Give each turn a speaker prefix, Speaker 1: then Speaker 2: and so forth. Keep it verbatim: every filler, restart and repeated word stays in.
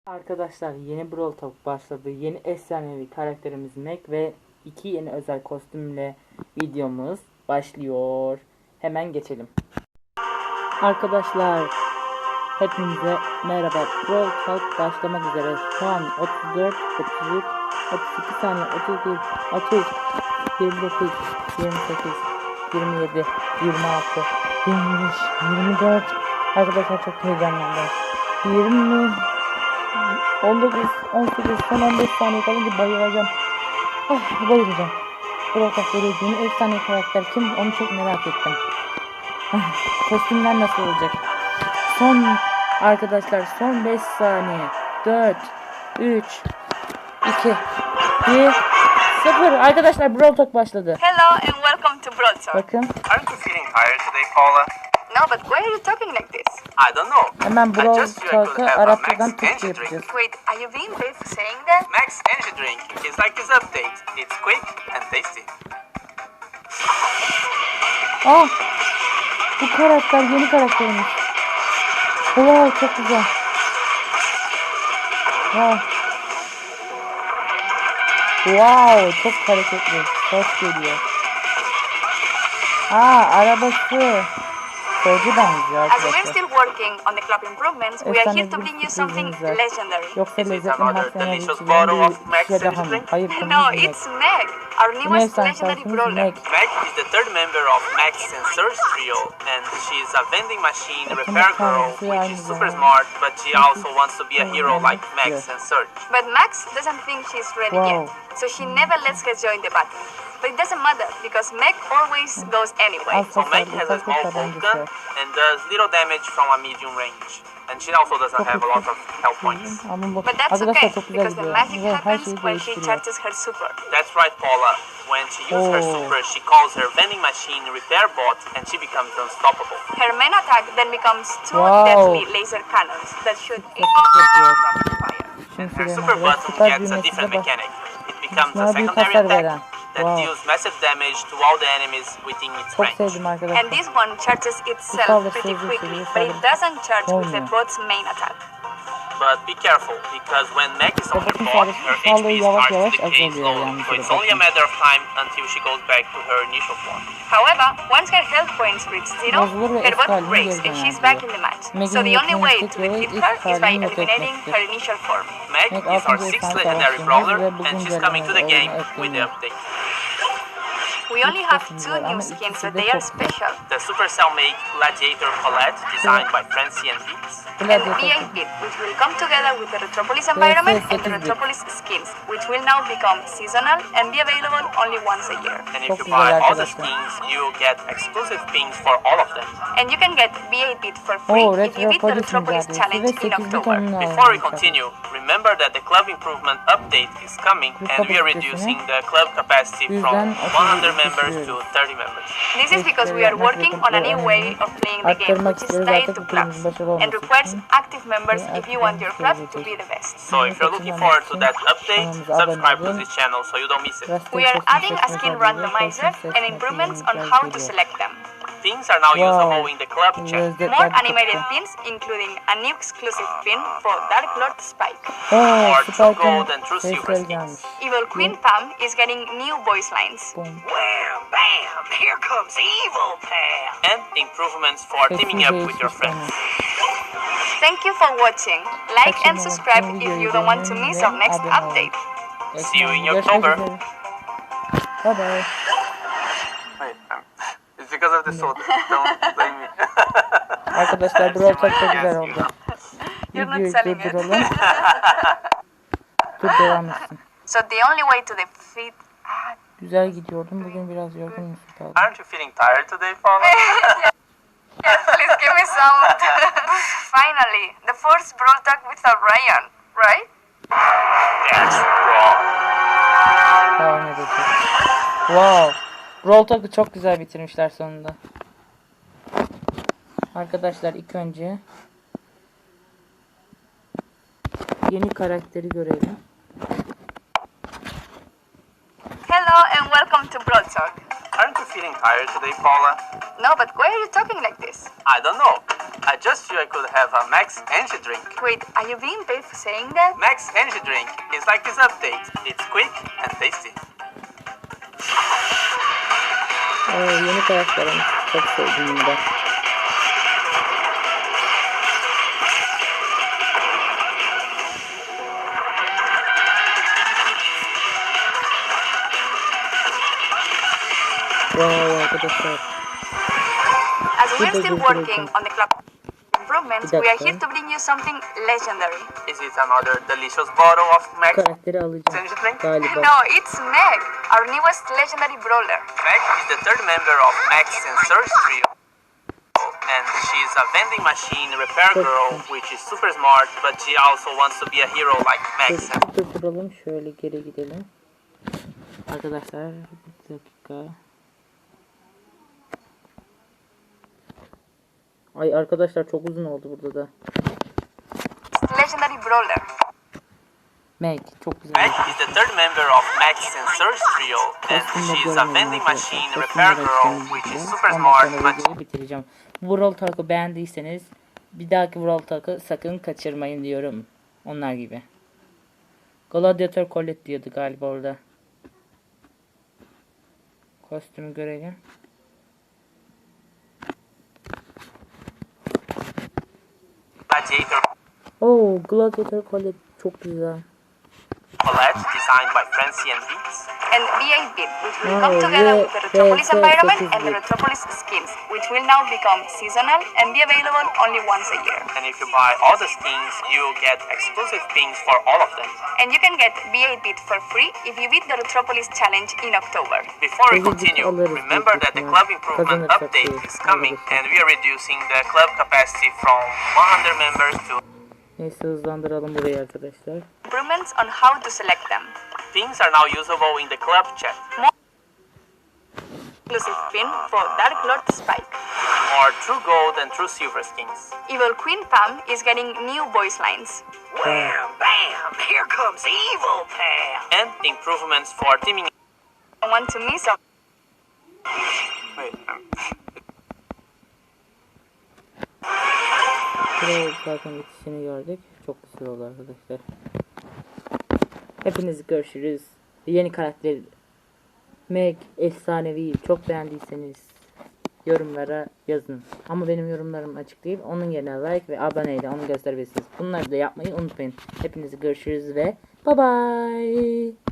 Speaker 1: Arkadaşlar yeni Brawl Talk başladı. Yeni efsanevi karakterimiz Meg ve iki yeni özel kostümle videomuz başlıyor. Hemen geçelim. Arkadaşlar hepinize merhaba. Brawl Talk başlamak üzere. Şu an otuz dört, otuz üç, otuz iki saniye, otuz bir, otuz, yirmi dokuz, yirmi sekiz, yirmi yedi, yirmi altı, yirmi beş, yirmi dört. Arkadaşlar çok heyecanlandım. yirmi on dokuz, on sekiz, son on beş saniye kalınca bayılacağım. Ah, bayılacağım. Brawl yeni efsane karakter kim? Onu çok merak ettim. Ah, kostümler nasıl olacak? Son arkadaşlar son beş saniye. dört, üç, iki, bir, sıfır. Arkadaşlar Brawl Talk başladı.
Speaker 2: Hello and welcome to Brawl Talk.
Speaker 1: Bakın.
Speaker 3: Aren't you feeling tired today, Paula?
Speaker 2: No, but why are you talking like this?
Speaker 3: I don't know.
Speaker 1: Hemen
Speaker 3: I
Speaker 1: Brawl
Speaker 3: just feel I could
Speaker 1: Talk'ı
Speaker 3: have a
Speaker 1: Arapçadan
Speaker 3: Max
Speaker 1: Türkçe
Speaker 3: energy
Speaker 1: yapacağız.
Speaker 3: drink.
Speaker 2: Wait, are you being brave for saying that?
Speaker 3: Max energy drink is like his update. It's quick and tasty.
Speaker 1: Ah! Bu karakter yeni karakterimiz. Wow, çok güzel. Wow. Wow, çok hareketli. Ses geliyor. Aa, arabası. Soğucu benziyor
Speaker 2: As we're
Speaker 1: arkadaşlar.
Speaker 2: still working on the club improvements, we are here to bring you something
Speaker 1: Efsane bir
Speaker 2: legendary.
Speaker 1: Yoksa
Speaker 3: Is it
Speaker 1: lezzetli
Speaker 3: another
Speaker 1: mahzene
Speaker 3: delicious
Speaker 1: içilen
Speaker 3: bottle of
Speaker 1: bir
Speaker 3: Max
Speaker 1: şey daha
Speaker 3: energy
Speaker 1: mı?
Speaker 3: drink?
Speaker 1: Hayır,
Speaker 2: No,
Speaker 1: konumuz Meg.
Speaker 2: it's Meg, our
Speaker 1: Yine
Speaker 2: newest
Speaker 1: efsane
Speaker 2: legendary
Speaker 1: şarkımız
Speaker 2: brawler.
Speaker 1: Meg.
Speaker 3: Meg is the third member of Max and Surge trio, and she is a vending machine repair girl, which is super smart, but she also wants to be a hero like Max and Surge.
Speaker 2: But Max doesn't think she's ready
Speaker 1: Wow.
Speaker 2: yet, so she never lets her join the battle. But it doesn't matter, because Meg always goes anyway.
Speaker 3: So Meg has a small bolt gun and does little damage from a medium range. And she also doesn't have a lot of health points.
Speaker 1: Ama bu
Speaker 2: But that's
Speaker 1: arkadaşlar
Speaker 2: okay,
Speaker 1: çok güzel
Speaker 2: because the
Speaker 1: gidiyor.
Speaker 2: magic
Speaker 1: Ve her
Speaker 2: happens
Speaker 1: şeyi
Speaker 2: when she
Speaker 1: değiştiriyor.
Speaker 2: charges her super.
Speaker 3: That's right, Paula. When she uses her
Speaker 1: Oh.
Speaker 3: super, she calls her vending machine repair bot, and she becomes unstoppable.
Speaker 2: Her main attack then becomes two
Speaker 1: Wow.
Speaker 2: deadly laser cannons that shoot
Speaker 1: Çok güzel.
Speaker 2: rapid fire.
Speaker 1: Şimdi
Speaker 3: Her
Speaker 1: söyleyeyim
Speaker 3: super
Speaker 1: arkadaşlar.
Speaker 3: button
Speaker 1: Süper
Speaker 3: gets a
Speaker 1: büyümesi
Speaker 3: different
Speaker 1: de bak.
Speaker 3: mechanic. It becomes a
Speaker 1: Bana büyük
Speaker 3: secondary
Speaker 1: hasar
Speaker 3: attack
Speaker 1: veren.
Speaker 3: that
Speaker 1: Wow.
Speaker 3: deals massive damage to all the enemies within its
Speaker 1: Çok
Speaker 3: range.
Speaker 1: sevdim
Speaker 2: And
Speaker 1: arkadaşlar.
Speaker 2: this one charges itself
Speaker 1: saldırı
Speaker 2: pretty
Speaker 1: sözü
Speaker 2: quickly,
Speaker 1: seviyor,
Speaker 2: but it
Speaker 1: saldırı
Speaker 2: doesn't charge with the
Speaker 1: olmuyor.
Speaker 2: bot's main attack.
Speaker 3: But be careful, because when Meg is on her
Speaker 1: Robotun
Speaker 3: bot,
Speaker 1: saldırısı
Speaker 3: her H
Speaker 1: sağlığı
Speaker 3: P
Speaker 1: yavaş
Speaker 3: starts
Speaker 1: yavaş
Speaker 3: to decay
Speaker 1: azalıyor
Speaker 3: slowly,
Speaker 1: yani
Speaker 3: so it's
Speaker 1: robotun.
Speaker 3: only a matter of time until she goes back to her initial form.
Speaker 2: However, once her health points reach zero,
Speaker 1: Bozulur ve
Speaker 2: her
Speaker 1: eski
Speaker 2: bot
Speaker 1: haline
Speaker 2: breaks
Speaker 1: geri
Speaker 2: and
Speaker 1: döner
Speaker 2: she's
Speaker 1: diyor.
Speaker 2: back in the match.
Speaker 1: Meg'in
Speaker 2: So the only way
Speaker 1: yeteneği
Speaker 2: to
Speaker 1: tek
Speaker 2: defeat
Speaker 1: ilk
Speaker 2: her is by
Speaker 1: halini yok
Speaker 2: eliminating
Speaker 1: etmektir.
Speaker 2: her initial form.
Speaker 3: Meg
Speaker 1: Meg
Speaker 3: is our
Speaker 1: altıncı
Speaker 3: sixth
Speaker 1: efsane
Speaker 3: legendary
Speaker 1: savaşçımız
Speaker 3: brawler,
Speaker 1: ve
Speaker 3: and
Speaker 1: bugün
Speaker 3: she's coming to the
Speaker 1: görevimiz
Speaker 3: game
Speaker 1: oyuna
Speaker 3: with the
Speaker 1: ekleniyor.
Speaker 3: update.
Speaker 2: We only have two
Speaker 1: Ama
Speaker 2: new
Speaker 1: ikisi
Speaker 2: skins,
Speaker 1: de
Speaker 2: but they are
Speaker 1: çok güzel.
Speaker 2: special.
Speaker 3: The Supercell make Gladiator Colette, designed by Francie and Beats.
Speaker 2: And
Speaker 1: Gladiator.
Speaker 2: V eight Bit, which will come together with the Retropolis environment and the
Speaker 1: sekiz bit.
Speaker 2: Retropolis skins, which will now become seasonal and be available only once a year.
Speaker 3: And if
Speaker 1: Çok
Speaker 3: you
Speaker 1: güzel
Speaker 3: buy all the
Speaker 1: arkadaşlar.
Speaker 3: skins, you get exclusive pins for all of them.
Speaker 2: And you can get V eight Bit for free
Speaker 1: Oo,
Speaker 2: if you beat the
Speaker 1: Retropolis
Speaker 2: Retropolis
Speaker 1: mücadelesi
Speaker 2: challenge
Speaker 1: ve
Speaker 2: in
Speaker 1: sekiz bit
Speaker 2: October.
Speaker 1: onunla
Speaker 3: Before we
Speaker 1: oynayacak.
Speaker 3: continue, remember that the club improvement update is coming, and we are reducing the club capacity from one hundred members to thirty members.
Speaker 2: This is because we are working on a new way of playing the game, which is tied to clubs and requires active members if you want your club to be the best.
Speaker 3: So if you're looking forward to that update, subscribe to this channel so you don't miss it.
Speaker 2: We are adding a skin randomizer and improvements on how to select them.
Speaker 3: Pins are now
Speaker 1: Wow.
Speaker 3: usable in the club chat.
Speaker 2: More animated pins, including a new exclusive pin for Dark Lord Spike.
Speaker 1: Oo,
Speaker 3: Or True
Speaker 1: Spike'ın
Speaker 3: Gold and True Silver
Speaker 1: sesleri
Speaker 3: skins.
Speaker 1: gelmiş.
Speaker 2: Evil Queen Pam is getting new voice lines.
Speaker 1: Boom.
Speaker 3: Wham, bam, here comes Evil Pam. And improvements for teaming up with your friends.
Speaker 2: Thank you for watching. Like and subscribe if you don't want to miss our next update.
Speaker 3: See you in
Speaker 1: Görüşmek
Speaker 3: October.
Speaker 1: üzere. Bye bye.
Speaker 3: Wait, um, it's because of the soda. Don't blame me.
Speaker 1: Arkadaşlar Brawl Talk çok güzel oldu.
Speaker 2: You're not
Speaker 1: Videoyu
Speaker 2: selling it.
Speaker 1: durduralım. Dur devam etsin.
Speaker 2: So the only way to defeat... Ah,
Speaker 1: Güzel gidiyordum. Bugün biraz yorgun musun kaldım.
Speaker 3: Aren't you feeling tired today, Paula?
Speaker 2: yes, please give me some. Finally, the first Brawl Talk without Ryan, right?
Speaker 3: That's wrong.
Speaker 1: Devam edeceğiz. Wow. Brawl Talk'ı çok güzel bitirmişler sonunda. Arkadaşlar ilk önce yeni karakteri görelim.
Speaker 2: Hello and welcome to Brawl Talk.
Speaker 3: Aren't you feeling tired today, Paula?
Speaker 2: No, but why are you talking like this?
Speaker 3: I don't know. I just knew I could have a Max Energy drink.
Speaker 2: Wait, are you being paid for saying that?
Speaker 3: Max Energy drink is like this update. It's quick and tasty.
Speaker 1: Aa, yeni karakterim. Çok sevdim bunu da. Wow arkadaşlar.
Speaker 2: As we're still working on the club improvements, we are here to bring you something legendary.
Speaker 3: Is it another delicious bottle of Max
Speaker 1: Karakteri alacağım
Speaker 3: Energy drink?
Speaker 1: galiba.
Speaker 2: No, it's Meg, our newest legendary brawler.
Speaker 3: Meg is the third member of Max and Surge trio. And she's a vending machine repair girl, which is super smart, but she also wants to be a hero like Max.
Speaker 1: Dur, durduralım şöyle geri gidelim. Arkadaşlar bir dakika. Ay arkadaşlar çok uzun oldu burada da.
Speaker 2: Legendary brawler.
Speaker 1: Meg çok güzel.
Speaker 3: Meg is the third member of Max and Surge trio, and she's a vending machine repair girl, which is super smart, but
Speaker 1: videoyu bitireceğim. Brawl Talk'u beğendiyseniz bir dahaki Brawl Talk'u sakın kaçırmayın diyorum. Onlar gibi. Gladiator Colette diyordu galiba orada. Kostümü görelim.
Speaker 3: Gladiator
Speaker 1: Oo, Gladiator Colette çok güzel.
Speaker 3: Colette, designed by Francie and Beats.
Speaker 2: And B eight bit, which will
Speaker 1: Oh,
Speaker 2: come together with the
Speaker 1: yeah,
Speaker 2: Retropolis
Speaker 1: yeah,
Speaker 2: environment
Speaker 1: yeah,
Speaker 2: and the
Speaker 1: yeah.
Speaker 2: Retropolis skins, which will now become seasonal and be available only once a year.
Speaker 3: And if you buy all the skins, you'll get exclusive pins for all of them.
Speaker 2: And you can get B eight bit for free if you beat the Retropolis challenge in October.
Speaker 3: Before we
Speaker 1: Tabii ki
Speaker 3: continue,
Speaker 1: alırız
Speaker 3: remember
Speaker 1: büyük
Speaker 3: that the
Speaker 1: ihtimal.
Speaker 3: club improvement
Speaker 1: Kazanırsak
Speaker 3: update
Speaker 1: diye
Speaker 3: is coming,
Speaker 1: alırız.
Speaker 3: and we are reducing the club capacity from one hundred members to
Speaker 1: Neyse hızlandıralım burayı arkadaşlar.
Speaker 2: Improvements on how to select them.
Speaker 3: pins are now usable in the club chat.
Speaker 2: Exclusive pin for Dark Lord Spike.
Speaker 3: More True Gold and True Silver skins.
Speaker 2: Evil Queen Pam is getting new voice lines.
Speaker 3: Wham, bam, here comes Evil Pam. And improvements for teaming.
Speaker 2: I want to miss some.
Speaker 3: Wait, um,
Speaker 1: Brawl Talk'ın bitişini gördük. Çok güzel oldu arkadaşlar. Hepiniz görüşürüz. Yeni karakter Meg efsanevi. Çok beğendiyseniz yorumlara yazın. Ama benim yorumlarım açık değil. Onun yerine like ve aboneyle onu gösterebilirsiniz. Bunları da yapmayı unutmayın. Hepinizi görüşürüz ve bye bye.